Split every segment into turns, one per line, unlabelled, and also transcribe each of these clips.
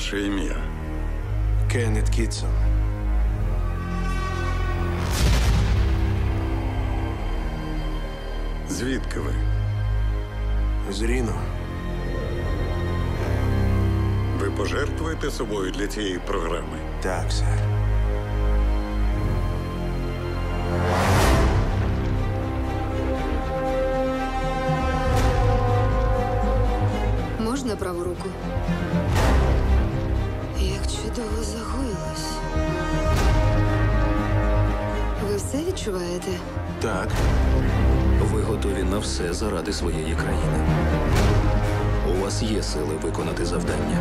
ваше ім'я?
Кеннет Кітсон.
Звідки ви?
З Ріно.
Ви пожертвуєте собою для цієї програми?
Так, сер.
Можна праву руку? Як чудово загоїлось. Ви все відчуваєте?
Так.
Ви готові на все заради своєї країни. У вас є сили виконати завдання.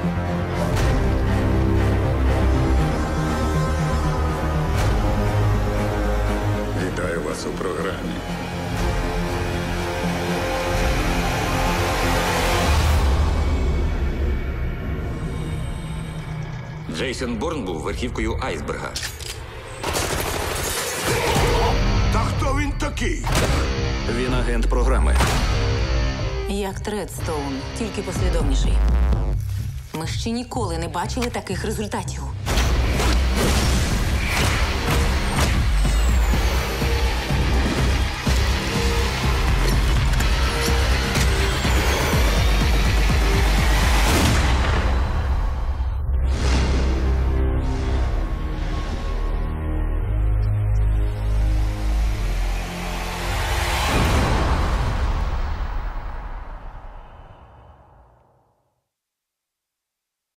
Вітаю вас у програмі.
Джейсон Борн був верхівкою айсберга.
Та хто він такий?
Він агент програми.
Як Тредстоун, тільки послідовніший. Ми ще ніколи не бачили таких результатів.